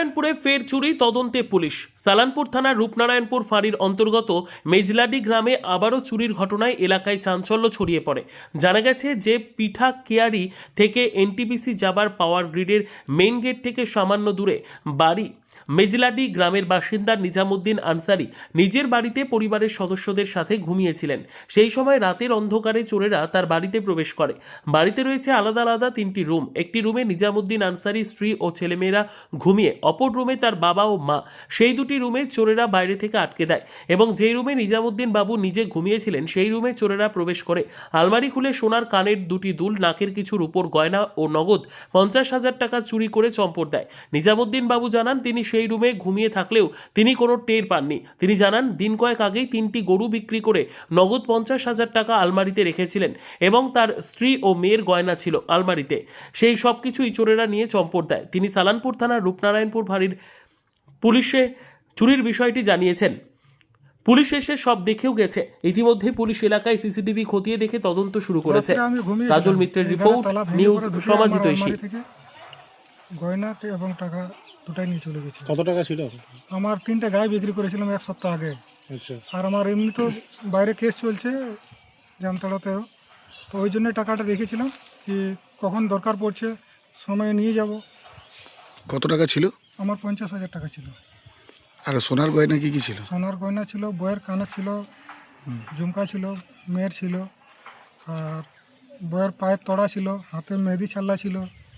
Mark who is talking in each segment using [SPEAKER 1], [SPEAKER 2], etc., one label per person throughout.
[SPEAKER 1] রূপনারায়ণপুরে ফের চুরি, তদন্তে পুলিশ। সালানপুর থানার রূপনারায়ণপুর ফাঁড়ির অন্তর্গত মেজলাডি গ্রামে আবারও চুরির ঘটনায় এলাকায় চাঞ্চল্য ছড়িয়ে পড়ে। জানা গেছে যে পিঠা কেয়ারি থেকে এনটিপিসি যাবার পাওয়ার গ্রিডের মেইন গেট থেকে সামান্য দূরে বাড়ি মেজলাডি গ্রামের বাসিন্দা নিজামুদ্দিন আনসারি নিজের বাড়িতে পরিবারের সদস্যদের সাথে ঘুমিয়েছিলেন। সেই সময় রাতের অন্ধকারে চোরেরা তার বাড়িতে প্রবেশ করে। বাড়িতে রয়েছে আলাদা আলাদা তিনটি রুম। একটি রুমে নিজামুদ্দিন আনসারি স্ত্রী ও ছেলেমেয়েরা ঘুমিয়ে, অপর রুমে তার বাবা ও মা। সেই দুটি রুমে চোরেরা বাইরে থেকে আটকে দেয় এবং যেই রুমে নিজামুদ্দিন বাবু নিজে ঘুমিয়েছিলেন সেই রুমে চোরেরা প্রবেশ করে আলমারি খুলে সোনার কানের দুটি দুল, নাকের কিছু রূপোর গয়না ও নগদ 50,000 টাকা চুরি করে চম্পট দেয়। নিজামুদ্দিন বাবু জানান তিনি সেই রুমে ঘুমিয়ে থাকলেও তিনি কোনো টের পাননি। তিনি জানান দিন কয়েক আগেই 3টি গরু বিক্রি করে নগদ 50,000 টাকা আলমারিতে রেখেছিলেন এবং তার স্ত্রী ও মেয়ের গয়না ছিল আলমারিতে। সেই সব কিছুই চোরেরা নিয়ে চম্পট দেয়। তিনি সালানপুর থানার রূপনারায়ণপুর ফাঁড়ির পুলিশে চুরির বিষয়টি জানিয়েছেন। পুলিশ এসে সব দেখেও গেছে। ইতিমধ্যে পুলিশ এলাকায় সিসিটিভি খতিয়ে দেখে তদন্ত শুরু করেছে। কাজল মিত্রের রিপোর্ট, নিউজ সমাজিত ইস্যু।
[SPEAKER 2] গয়না এবং টাকা দুটাই নিয়ে চলে গেছে।
[SPEAKER 3] কত টাকা ছিল?
[SPEAKER 2] আমার 3টে গায়ে বিক্রি করেছিলাম 1 সপ্তাহ আগে।
[SPEAKER 3] আচ্ছা।
[SPEAKER 2] আর আমার এমনি তো বাইরে কেস চলছে জামতলাতেও, তো ওই জন্য টাকাটা রেখেছিলাম কি কখন দরকার পড়ছে সময়ে নিয়ে যাব।
[SPEAKER 4] কত টাকা ছিল?
[SPEAKER 2] আমার 50,000 টাকা ছিল।
[SPEAKER 4] আর সোনার গয়না কি কি ছিল?
[SPEAKER 2] সোনার গয়না ছিল, বইয়ের কানের ছিল, ঝুমকা ছিল, মেয়ের ছিল, আর বইয়ের পায়ের তড়া ছিল, হাতে মেহেদি ছাল্লা ছিল,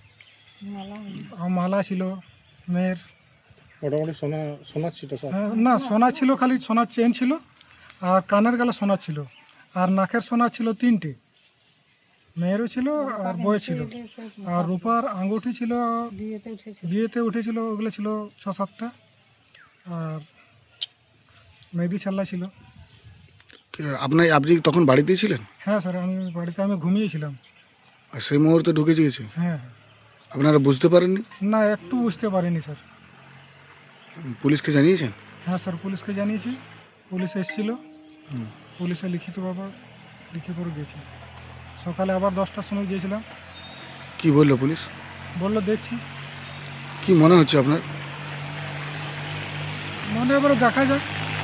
[SPEAKER 2] আর মালা ছিল মেয়ের।
[SPEAKER 3] মোটামুটি সোনা ছিল সব?
[SPEAKER 2] না, সোনা ছিল, খালি সোনার চেন ছিল, আর কানের গলা সোনা ছিল, আর নাকের সোনা ছিল 3টে, মেয়েরও ছিল আর বইয়ের ছিল, আর রূপার আঙ্গুঠি ছিল, বিয়েতে উঠেছিল ওগুলো ছিল 6-7টা, আর মেহেদি ছাল্লা ছিল।
[SPEAKER 4] আপনি তখন বাড়িতেই ছিলেন?
[SPEAKER 2] হ্যাঁ স্যার, আমি বাড়িতে ঘুমিয়েছিলাম।
[SPEAKER 4] আর সেই মুহূর্তে ঢুকে গিয়েছে?
[SPEAKER 2] হ্যাঁ।
[SPEAKER 4] আপনারা বুঝতে পারেননি?
[SPEAKER 2] না, একটু বুঝতে পারিনি স্যার।
[SPEAKER 4] পুলিশকে জানিয়েছেন?
[SPEAKER 2] হ্যাঁ স্যার, পুলিশকে জানিয়েছি, পুলিশ এসেছিল, পুলিশে লিখিতভাবে লিখে করে গেছে। সকালে আবার 10টার সময় গিয়েছিলাম।
[SPEAKER 4] কি বললো পুলিশ?
[SPEAKER 2] বললো দেখছি।
[SPEAKER 4] কি মনে হচ্ছে আপনার?
[SPEAKER 2] মানে এবার দেখা যাক,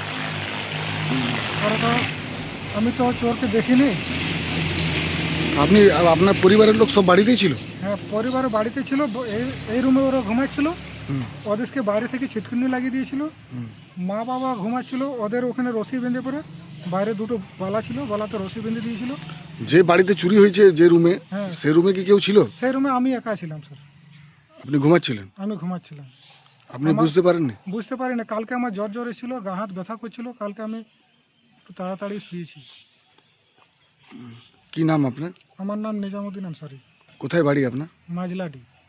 [SPEAKER 2] কারণ আমি তো চোরকে দেখিনি।
[SPEAKER 4] আপনি আর আপনার পরিবারের লোক সব বাড়িতেই ছিল?
[SPEAKER 2] হ্যাঁ, পরিবার বাড়িতে ছিল, এই রুমে ওরা ঘুমাচ্ছিল, ওদেরকে বাইরে থেকে ছিটকিনি লাগিয়ে দিয়েছিল। মা বাবা ঘুমাচ্ছিল, ওদের ওখানে রশি বেঁধে পড়ে, বাইরে দুটো বালা ছিল, বালাতে রশি বেঁধে দিয়েছিল।
[SPEAKER 4] যে বাড়িতে চুরি হয়েছে যে রুমে,
[SPEAKER 2] হ্যাঁ,
[SPEAKER 4] সেই রুমে কি কেউ ছিল?
[SPEAKER 2] সেই রুমে আমি একা ছিলাম স্যার।
[SPEAKER 4] আপনি ঘুমাচ্ছিলেন?
[SPEAKER 2] আমি ঘুমাচ্ছিলাম।
[SPEAKER 4] আপনি বুঝতে পারেননি?
[SPEAKER 2] বুঝতে পারি না, কালকে আমার জ্বর এসেছিল, গা হাত ব্যথা করছিল, কালকে আমি একটু তাড়াতাড়ি শুয়েছি।
[SPEAKER 4] কি নাম আপনার?
[SPEAKER 2] আমার নাম নিজামুদ্দিন আনসারি।
[SPEAKER 4] কোথায় বাড়ি আপনার?
[SPEAKER 2] মাজলাডি।